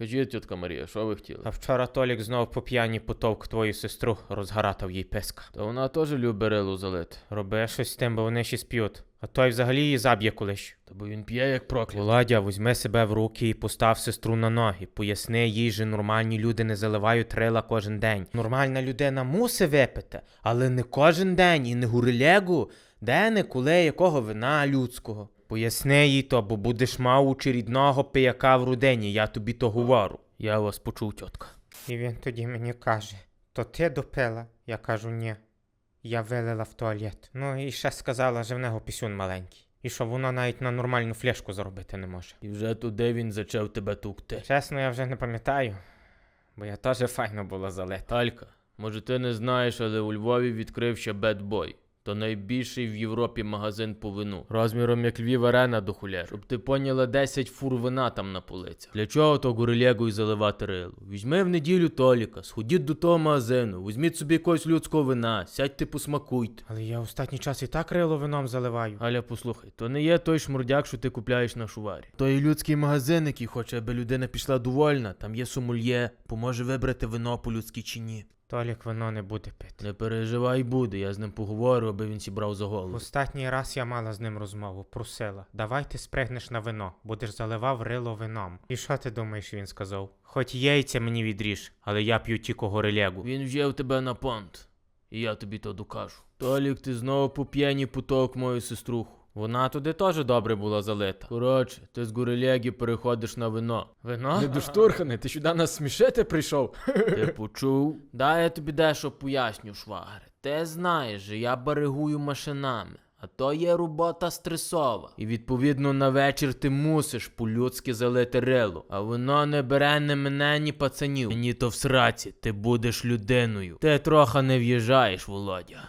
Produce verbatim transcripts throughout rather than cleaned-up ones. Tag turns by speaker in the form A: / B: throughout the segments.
A: Кажіть, тітка Марія, що ви хотіли?
B: А вчора Толік знов по п'яні потовк твою сестру, розгаратав їй писка.
A: Та вона теж любить рилу залити.
B: Роби щось з тим, бо вони ще сп'ють. А той взагалі її заб'є колись.
A: Та бо він п'є як проклятий.
B: Володя, візьми себе в руки і постав сестру на ноги. Поясни їй, що нормальні люди не заливають рила кожен день. Нормальна людина мусить випити, але не кожен день і не гурилегу, де не коли якого вина людського. Поясни їй то, бо будеш мав очередного пияка в родині, я тобі то говорю.
A: Я вас почув, тітка.
B: І він тоді мені каже, то ти допила? Я кажу, ні. Я вилила в туалет. Ну і ще сказала, що в нього пісюн маленький. І що воно навіть на нормальну флешку заробити не може.
A: І вже туди він зачав тебе тукти.
B: Чесно, я вже не пам'ятаю, бо я теж файно була залита.
A: Алька, може ти не знаєш, але у Львові відкрився Bad Boy. То найбільший в Європі магазин по вину. Розміром як Львів Арена до хуляр. Щоб ти поняла, десять фур вина там на полицях. Для чого то гурилегу й заливати рилу? Візьми в неділю Толіка, сходіть до того магазину, візьміть собі якогось людського вина, сядьте посмакуйте.
B: Але я останній час і так рило вином заливаю.
A: Галя, послухай, то не є той шмурдяк, що ти купляєш на шуварі. То є людський магазин, який хоче, аби людина пішла довольна. Там є сомельє, поможе вибрати вино по-людськи чи ні.
B: Толік вино не буде пити.
A: Не переживай, буде, я з ним поговорю, аби він сібрав за голову.
B: Останній раз я мала з ним розмову, просила. Давай ти спригнеш на вино, будеш заливав рило вином. І що ти думаєш, він сказав? Хоч яйця мені відріж, але я п'ю тільки горилегу.
A: Він взяв тебе на понт, і я тобі то докажу. Толік, ти знову по п'яні потовк мою сеструху.
B: Вона туди теж добре була залита.
A: Коротше, ти з горилеги переходиш на вино.
B: Вино?
A: Не доштурханий, ти сюди нас смішити прийшов? Ти почув? Дай я тобі дещо поясню, швагре. Ти знаєш, що я баригую машинами. А то є робота стресова. І відповідно на вечір ти мусиш по-людськи залити рило. А воно не бере ні мене, ні пацанів. Мені то в сраці, ти будеш людиною. Ти трохи не в'їжджаєш, Володя.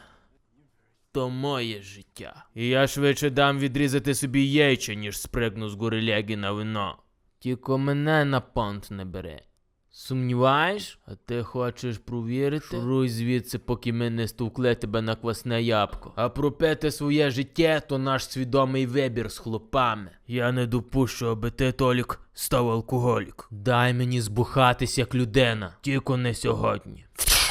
A: То моє життя. І я швидше дам відрізати собі яйця, ніж спригну з горилеги на вино. Тільки мене на понт не бери. Сумніваєш? А ти хочеш провірити? Шуруй звідси, поки ми не стовкли тебе на квасне ябко. А пропити своє життя – то наш свідомий вибір з хлопами. Я не допущу, аби ти, Толік, став алкоголік. Дай мені збухатись як людина. Тільки не сьогодні.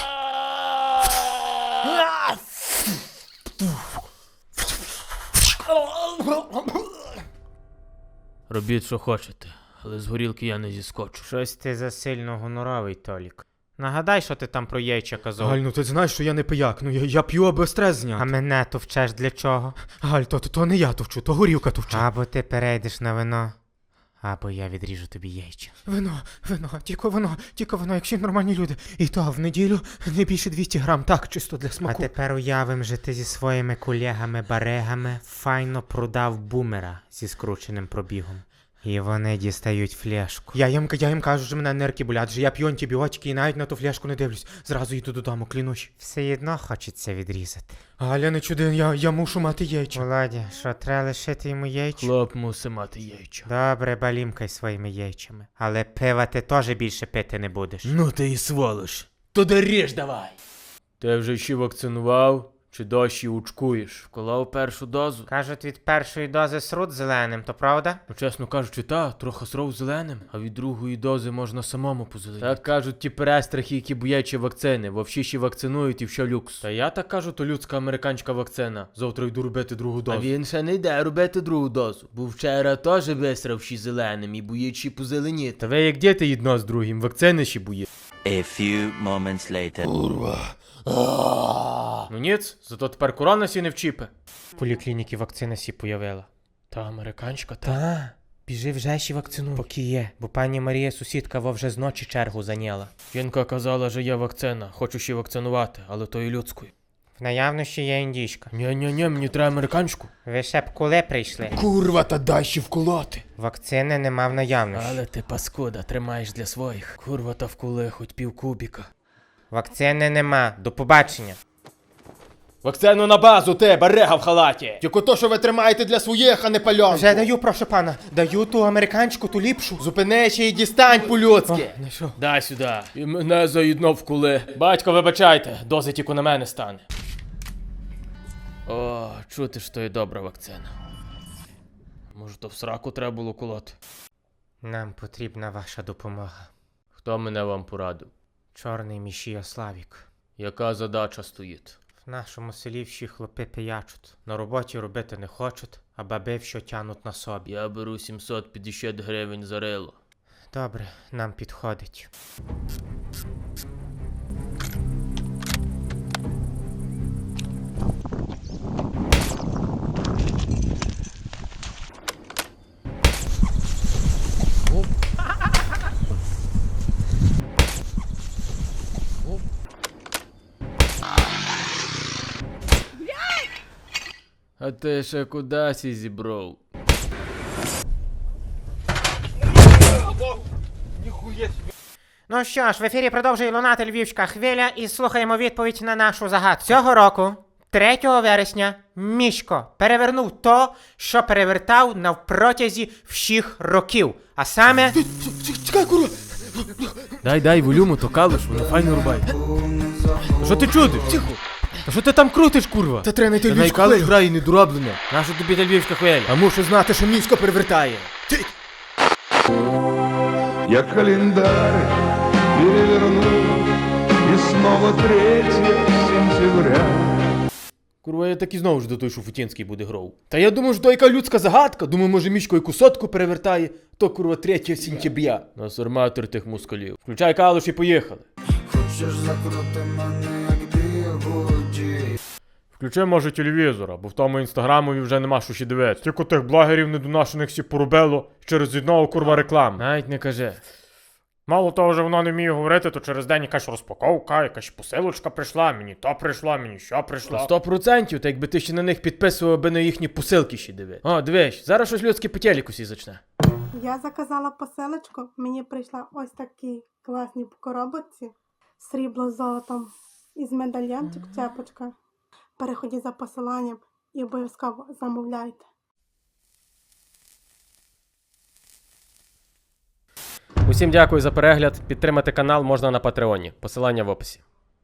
A: Робіть, що хочете, але з горілки я не зіскочу.
B: Щось ти засильно гоноровий, Толік. Нагадай, що ти там про яйця казав.
C: Галь, ну ти знаєш, що я не пияк, ну я, я п'ю, аби стрес
B: А
C: зняти.
B: мене то вчеш для чого?
C: Галь, то, то, то не я товчу, то горілка товче.
B: Або ти перейдеш на вино, або я відріжу тобі яйця.
C: Вино, вино, тільки вино, тільки вино, якщо нормальні люди. І то в неділю не більше двісті грам, так, чисто для
B: А
C: смаку.
B: тепер уявим, що ти зі своїми колегами-барегами файно продав бумера зі скрученим пробігом. І вони дістають флешку.
C: Я їм, я їм кажу, що мене нирки болять, що я п'ю антибіотики і навіть на ту фляшку не дивлюсь. Зразу йду додому, клянусь.
B: Все одно хочеться відрізати.
C: Галя, не чуди, я, я мушу мати яйця.
B: Володя, що, треба лишити йому яйця?
A: Хлоп мусить мати яйця.
B: Добре, балімкай своїми яйцями. Але пива ти теж більше пити не будеш.
A: Ну ти і сволош. Туди ріж давай. Ти вже ще вакцинував? Чи дощі учкуєш? Вколов першу дозу?
B: Кажуть, від першої дози срут зеленим, то правда?
A: Ну, чесно кажучи, та, трохи сров зеленим, а від другої дози можна самому позеленіти. Так кажуть ті перестрахи, які бояться вакцини. Вовші ще вакцинують і все люкс. Та я так кажу, то людська американська вакцина. Завтра йду робити другу дозу. А він ще не йде робити другу дозу. Бо вчора теж висрав ще зеленим і боїть позеленіти. Та ви як діти єдно з другим, вакцини ще боїть.
D: A few moments later.
A: Ну ніц, зато тепер корона сі не вчіпе.
B: В поліклініці вакцина сі появила.
A: Та американська, та.
B: Та, біжи вже ще вакцинуй. Поки є, бо пані Марія сусідка во вже з ночі чергу зайняла.
A: Жінка казала, що є вакцина, хочу ще вакцинувати, але то і людською.
B: В наявності є індійська.
A: Ні-ні-ні, мені треба американську.
B: Ви ще б коли прийшли?
C: Курва, та дай ще вколоти.
B: Вакцини нема в наявності.
A: Але ти паскуда, тримаєш для своїх. Курва та вкули хоч пів кубіка.
B: Вакцини нема. До побачення.
A: Вакцину на базу, ти, барега в халаті!
C: Тільки то, що ви тримаєте для своїх, а не пальонку.
B: Вже даю, прошу пана. Даю ту американську, ту ліпшу.
C: Зупинись і дістань по-людськи.
B: Не що?
A: Дай сюди. І мене заїдно вкули. Батько, вибачайте, дози тільки на мене стане. О, чути ж, то є добра вакцина. Може, то в сраку треба було колоти?
C: Нам потрібна ваша допомога.
A: Хто мене вам порадив?
C: Чорний мішія Славік.
A: Яка задача стоїть?
C: В нашому селі всі хлопи пиячуть. На роботі робити не хочуть, а баби що тянуть на собі.
A: Я беру сімсот п'ятдесят гривень за рило.
C: Добре, нам підходить.
A: А ти ще кудись і зібров?
C: Ну що ж, в ефірі продовжує лунати львівська хвиля і слухаємо відповідь на нашу загадку. Цього року, третього вересня, Мішко перевернув то, що перевертав навпротязі всіх років. А саме...
B: Чекай, курва!
A: Дай, дай, волюму, то калуш, воно файно рубає.
B: Що ти чудиш? Тихо! А що ти там крутиш, курва?
C: Та треба знайти
A: Та
C: львівську
A: найкалуш
C: хвилю.
A: грає недороблено. Нащо тобі та львівська хвиля?
C: А мушу знати, що Мішко перевертає.
E: Я календарь переверну, и снова третье сентября.
B: Курва, я так і знову ж до той Шуфутінський буде гров. Та я думаю, що то яка людська загадка. Думаю, може Мішко яку сотку перевертає, то курва третього сентября.
A: Насорматор тих москалів.
B: Включай калуш і поїхали.
F: Включи, може, телевізора, бо в тому інстаграмові вже нема що ще дивитися. Тільки тих блогерів недонашених всі порубило через одного курва реклами.
A: Навіть не каже.
F: Мало того, що воно не вміє говорити, то через день якась розпаковка, якась посилочка прийшла, мені то прийшло, мені що прийшло.
B: Сто процентів, та якби ти ще на них підписував, аби на їхні посилки ще диви. О, дивись, зараз щось людське по телеку сі зачне.
G: Я заказала посилочку, мені прийшла ось такі класні коробочці, срібло з золотом із медальйончик, цепочка. Переходіть за посиланням і обов'язково замовляйте.
H: Усім дякую за перегляд. Підтримати канал можна на Патреоні. Посилання в описі.